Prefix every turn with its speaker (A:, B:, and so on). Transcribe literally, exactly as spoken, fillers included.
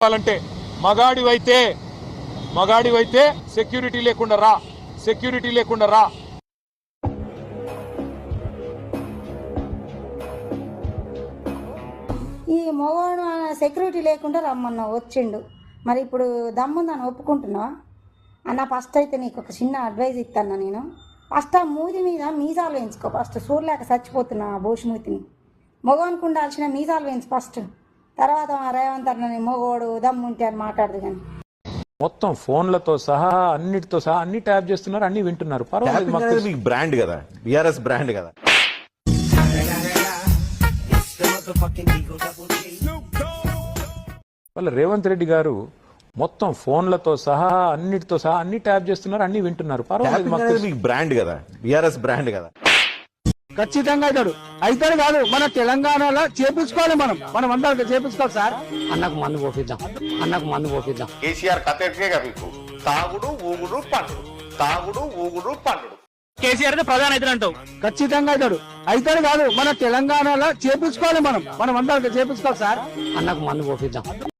A: చెప్పాలంటే మగాడివైతే మగాడివైతే సెక్యూరిటీ లేకుండా రా సెక్యూరిటీ లేకుండా రా
B: ఈ మగవాడు సెక్యూరిటీ లేకుండా రమ్మన్నా వచ్చిండు. మరి ఇప్పుడు దమ్ముందని ఒప్పుకుంటున్నావా అన్న? ఫస్ట్ అయితే నీకు ఒక చిన్న అడ్వైజ్ ఇస్తాను నేను. ఫస్ట్ ఆ మూతి మీద మీసాలు వేయించుకో. ఫస్ట్ చూడలేక చచ్చిపోతున్నా ఆ బోషిమూతిని. మగవానికి ఉండాల్సిన మీసాలు వేయించు ఫస్ట్. తర్వాత రేవంత్ అన్నని మగవాడు దమ్ముంటే అని మాట్లాడదు. కానీ
C: మొత్తం ఫోన్లతో సహా అన్నిటితో సహా అన్ని ట్యాప్ చేస్తున్నారు, అన్ని వింటున్నారు. పర్వాలేదు,
D: బ్రాండ్ కదా, బిఆర్ఎస్ బ్రాండ్ కదా.
C: వాళ్ళ రేవంత్ రెడ్డి గారు మొత్తం ఫోన్లతో సహా అన్నిటితో సహా అన్ని ట్యాప్ చేస్తున్నారు, అన్ని వింటున్నారు. పర్వాలేదు,
D: బ్రాండ్ కదా, బిఆర్ఎస్ బ్రాండ్ కదా.
E: ఖచ్చితంగా అవుతాడు. అవుతాడు కాదు, మన తెలంగాణలో చేపించుకోవాలి. మనం మనం అందరం చేపించుకోవాలి సార్. అన్నకు మందు పోపిద్దాం, అన్నకు మందు పోపిద్దాం.
F: కేసీఆర్ కథ ఎట్లేగా మీకు తాగుడు ఊగుడు పండుడు, తాగుడు ఊగుడు పండుడు.
E: కేసీఆర్ అయితే ప్రధాన అవుతాడు అంటావు. ఖచ్చితంగా అవుతాడు. అవుతాడు కాదు, మన తెలంగాణలో చేపించుకోవాలి. మనం మనం అందరం చేపించుకోవాలి సార్. అన్నకు మందు పోపిద్దాం.